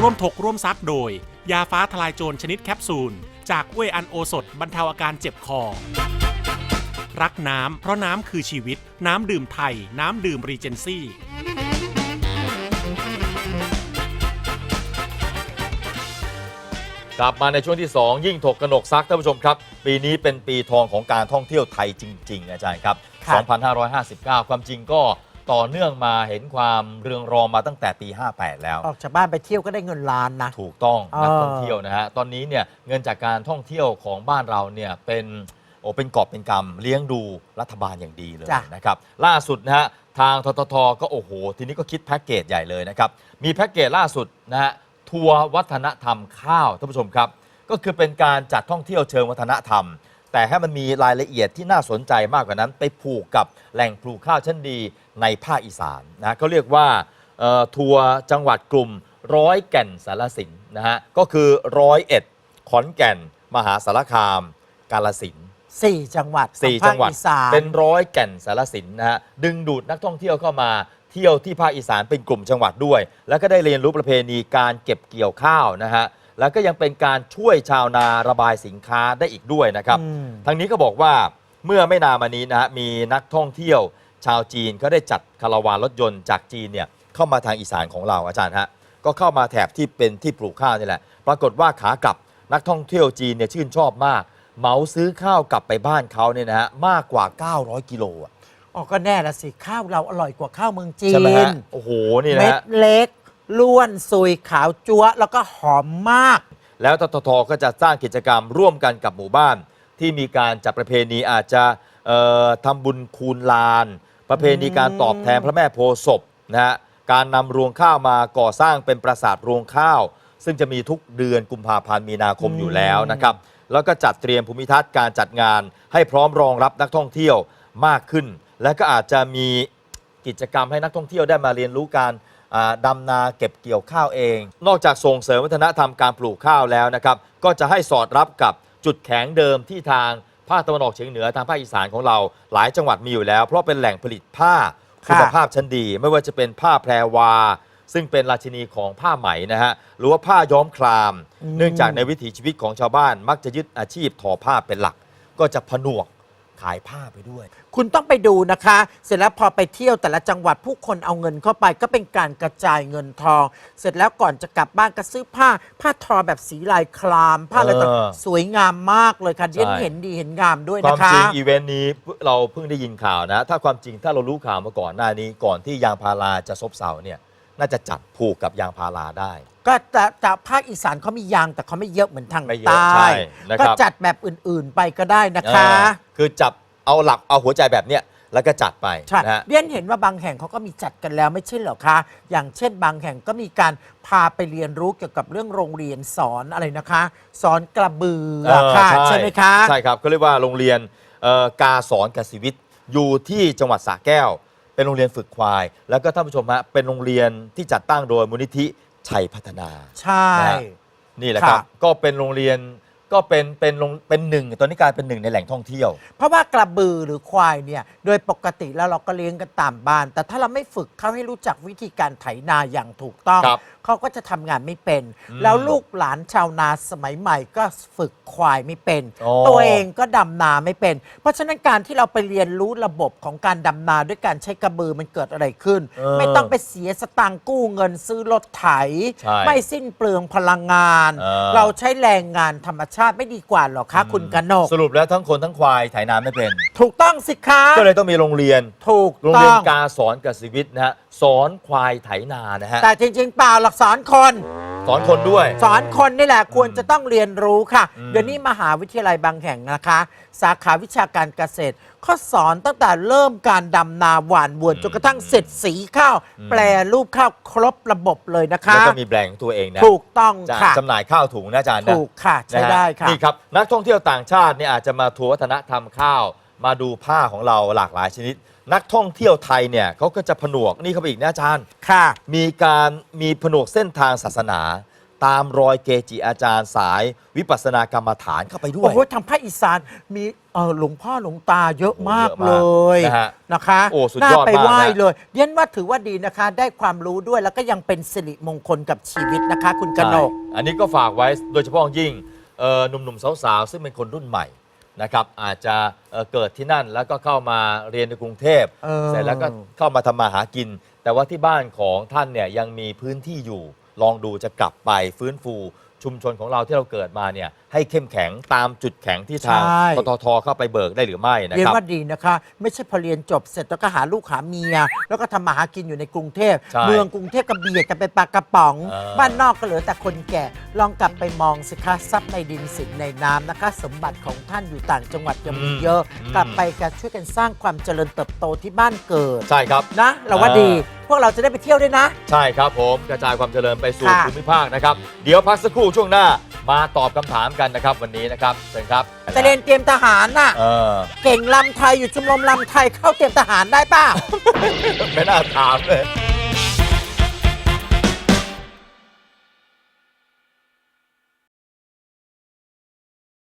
ร่วมถกร่วมซักโดยยาฟ้าทลายโจรชนิดแคปซูลจากเวอันโอสถบรรเทาอาการเจ็บคอรักน้ำเพราะน้ำคือชีวิตน้ำดื่มไทยน้ำดื่มรีเจนซี่กลับมาในช่วงที่ 2 ยิ่งถกกนกซักท่านผู้ชมครับปีนี้เป็นปีทองของการท่องเที่ยวไทยจริงๆอาจารย์ครับ 2559 ความจริงก็ต่อเนื่องมาเห็นความเรืองรองมาตั้งแต่ปี 58 แล้วออกจากบ้านไปเที่ยวก็ได้เงินล้านนะถูกต้องนักท่องเที่ยวนะฮะตอนนี้เนี่ยเงินจากการท่องเที่ยวของบ้านเราเนี่ยเป็นกอบเป็นกำเลี้ยงดูรัฐบาลอย่างดีเลยนะครับล่าสุดนะฮะทางทททก็โอ้โหทีนี้ก็คิดแพ็กเกจใหญ่เลยนะครับมีแพ็กเกจล่าสุดนะฮะทัวร์วัฒนธรรมข้าวท่านผู้ชมครับก็คือเป็นการจัดท่องเที่ยวเชิงวัฒนธรรมแต่ให้มันมีรายละเอียดที่น่าสนใจมากกว่านั้นไปผูกกับแหล่งปลูกข้าวชั้นดีในภาคอีสานนะเขาเรียกว่าทัวร์จังหวัดกลุ่มร้อยแก่นสารสินนะฮะก็คือ101ขอนแก่นมหาสารคามกาฬสินธุ์ 4 จังหวัด 4 จังหวัดเป็น100แก่นสารสินนะฮะดึงดูดนักท่องเที่ยวเข้ามาเที่ยวที่ภาคอีสานเป็นกลุ่มจังหวัดด้วยแล้วก็ได้เรียนรู้ประเพณีการเก็บเกี่ยวข้าวนะฮะแล้วก็ยังเป็นการช่วยชาวนาระบายสินค้าได้อีกด้วยนะครับทางนี้ก็บอกว่าเมื่อไม่นานมานี้นะฮะมีนักท่องเที่ยวชาวจีนเขาได้จัดคาราวานรถยนต์จากจีนเนี่ยเข้ามาทางอีสานของเราอาจารย์ฮะก็เข้ามาแถบที่เป็นที่ปลูกข้าวนี่แหละปรากฏว่าขากลับนักท่องเที่ยวจีนเนี่ยชื่นชอบมากเหมาซื้อข้าวกลับไปบ้านเขาเนี่ยนะฮะมากกว่า900 กิโลอ่ะอ๋อก็แน่ละสิข้าวเราอร่อยกว่าข้าวเมืองจีนใช่ไหมฮะโอ้โหนี่นะเม็ดเล็กล้วนซุยขาวจั๊วแล้วก็หอมมากแล้วทททก็จะสร้างกิจกรรมร่วมกันกับหมู่บ้านที่มีการจัดประเพณีอาจจะทำบุญคูณลานประเพณีการตอบแทนพระแม่โพธิ์ศพนะฮะการนำรวงข้าวมาก่อสร้างเป็นปราสาทรวงข้าวซึ่งจะมีทุกเดือนกุมภาพันธ์มีนาคมอยู่แล้วนะครับแล้วก็จัดเตรียมภูมิทัศน์การจัดงานให้พร้อมรองรับนักท่องเที่ยวมากขึ้นและก็อาจจะมีกิจกรรมให้นักท่องเที่ยวได้มาเรียนรู้การดำนาเก็บเกี่ยวข้าวเองนอกจากส่งเสริมวัฒนธรรมการปลูกข้าวแล้วนะครับก็จะให้สอดรับกับจุดแข็งเดิมที่ทางภาคตะวันออกเฉียงเหนือทางภาคอีสานของเราหลายจังหวัดมีอยู่แล้วเพราะเป็นแหล่งผลิตผ้าคุณภาพชั้นดีไม่ว่าจะเป็นผ้าแพรวาซึ่งเป็นราชินีของผ้าไหมนะฮะหรือว่าผ้าย้อมครามเนื่องจากในวิถีชีวิตของชาวบ้านมักจะยึดอาชีพทอผ้าเป็นหลักก็จะผนวกขายผ้าไปด้วยคุณต้องไปดูนะคะเสร็จแล้วพอไปเที่ยวแต่ละจังหวัดผู้คนเอาเงินเข้าไปก็เป็นการกระจายเงินทองเสร็จแล้วก่อนจะกลับบ้านก็ซื้อผ้าทอแบบสีลายคลามผ้าอะไรต่างสวยงามมากเลยค่ะเห็นดีเห็นงามด้วยนะคะความจริงอีเวนต์นี้เราเพิ่งได้ยินข่าวนะถ้าความจริงถ้าเรารู้ข่าวมาก่อนหน้านี้ก่อนที่ยางพาราจะซบเซาเนี่ยน่าจะจัดผูกกับยางพาราได้ก็แต่ภาคอีสานเขามียางแต่เขาไม่เยอะเหมือนทางใต้ก็จัดแบบอื่นๆไปก็ได้นะคะคือจับเอาหลักเอาหัวใจแบบเนี้ยแล้วก็จัดไปใช่เรียนเห็นว่าบางแห่งเขาก็มีจัดกันแล้วไม่ใช่เหรอคะอย่างเช่นบางแห่งก็มีการพาไปเรียนรู้เกี่ยวกับเรื่องโรงเรียนสอนอะไรนะคะสอนกระบือค่ะใช่ไหมคะใช่ครับก็เรียกว่าโรงเรียนกาสอนกสิวิทย์อยู่ที่จังหวัดสระแก้วเป็นโรงเรียนฝึกควายแล้วก็ท่านผู้ชมฮะเป็นโรงเรียนที่จัดตั้งโดยมูลนิธิชัยพัฒนาใช่นี่แหละครับก็เป็นโรงเรียนก็เป็นหนึ่งตอนนี้กลายเป็นหนึ่งในแหล่งท่องเที่ยวเพราะว่ากระบือหรือควายเนี่ยโดยปกติแล้วเราก็เลี้ยงกันตามบ้านแต่ถ้าเราไม่ฝึกเขาให้รู้จักวิธีการไถนาอย่างถูกต้องเขาก็จะทำงานไม่เป็นแล้วลูกหลานชาวนาสมัยใหม่ก็ฝึกควายไม่เป็นตัวเองก็ดำนาไม่เป็นเพราะฉะนั้นการที่เราไปเรียนรู้ระบบของการดำนาด้วยการใช้กระบือมันเกิดอะไรขึ้นไม่ต้องไปเสียสตางค์กู้เงินซื้อรถไถไม่สิ้นเปลืองพลังงานเราใช้แรงงานธรรมชาติไม่ดีกว่าหรอคะคุณกนกสรุปแล้วทั้งคนทั้งควายไถนาไม่เป็นถูกต้องสิคะก็เลยต้องมีโรงเรียนถูกโรงเรียนกาสอนกสิวิทย์นะฮะสอนควายไถนานะฮะแต่จริงๆเปล่าหลักสอนคนด้วยสอนคนนี่แหละควรจะต้องเรียนรู้ค่ะเดี๋ยวนี้มหาวิทยาลัยบางแห่งนะคะสาขาวิชาการเกษตรเขาสอนตั้งแต่เริ่มการดำนาหว่านบวนจนกระทั่งเสร็จสีข้าวแปรรูปข้าวครบระบบเลยนะคะแล้วก็มีแบรนด์ของตัวเองนะถูกต้องค่ะจำหน่ายข้าวถุงนะอาจารย์นะถูกค่ะใช้ได้ค่ะนี่ครับนักท่องเที่ยวต่างชาติเนี่ยอาจจะมาทัวร์วัฒนธรรมข้าวมาดูผ้าของเราหลากหลายชนิดนักท่องเที่ยวไทยเนี่ยเขาก็จะผนวกนี่เข้าไปอีกนะอาจารย์ค่ะมีผนวกเส้นทางศาสนาตามรอยเกจิอาจารย์สายวิปัสสนากรรมฐานเข้าไปด้วยโอ้โหทางภาคอีสานมีหลวงพ่อหลวงตาเยอะมากเยอะมากเลยนะฮะนะคะโอ้สุดน่ายอดไปมากไหว้นะเลยเรียนว่าถือว่าดีนะคะ ได้ความรู้ด้วยแล้วก็ยังเป็นสิริมงคลกับชีวิตนะคะ คุณกนกใช่อันนี้ก็ฝากไว้โดยเฉพาะยิ่งหนุ่มๆสาวๆซึ่งเป็นคนรุ่นใหม่นะครับอาจจะเกิดที่นั่นแล้วก็เข้ามาเรียนในกรุงเทพ เสร็จแล้วก็เข้ามาทำมาหากิน แต่ว่าที่บ้านของท่านเนี่ยยังมีพื้นที่อยู่ ลองดูจะกลับไปฟื้นฟูชุมชนของเราที่เราเกิดมาเนี่ยให้เข้มแข็งตามจุดแข็งที่ทางใช่ปตทเข้าไปเบิกได้หรือไม่นะเรียนครับว่าดีนะคะ ไม่ใช่พอเรียนจบเสร็จแล้วก็หาลูกหาเมีย แล้วก็ทำมาหากินอยู่ในกรุงเทพใช่เมืองกรุงเทพก็เบียดกันไปปลากระป๋องเออบ้านนอกก็เหลือแต่คนแก่ ลองกลับไปมองสิคะทรัพย์ในดินสินในน้ำนะคะ สมบัติของท่านอยู่ต่างจังหวัดยังมีเยอะ กลับไปกันช่วยกันสร้างความเจริญเติบโตที่บ้านเกิดใช่ครับนะเราว่าดี พวกเราจะได้ไปเที่ยวด้วยนะใช่ครับผมกระจายความเจริญไปสู่ค่ะภูมิภาคนะครับ เดี๋ยวพักสักครู่ช่วงหน้ามาตอบคำถามกันนะครับวันนี้นะครับเชิญครับจะเรียนเตรียมทหารน่ะเออเก่งลำไทยอยู่ชมรมลำไทยเข้าเตรียมทหารได้ป่ะไม่น่าถามเลยเ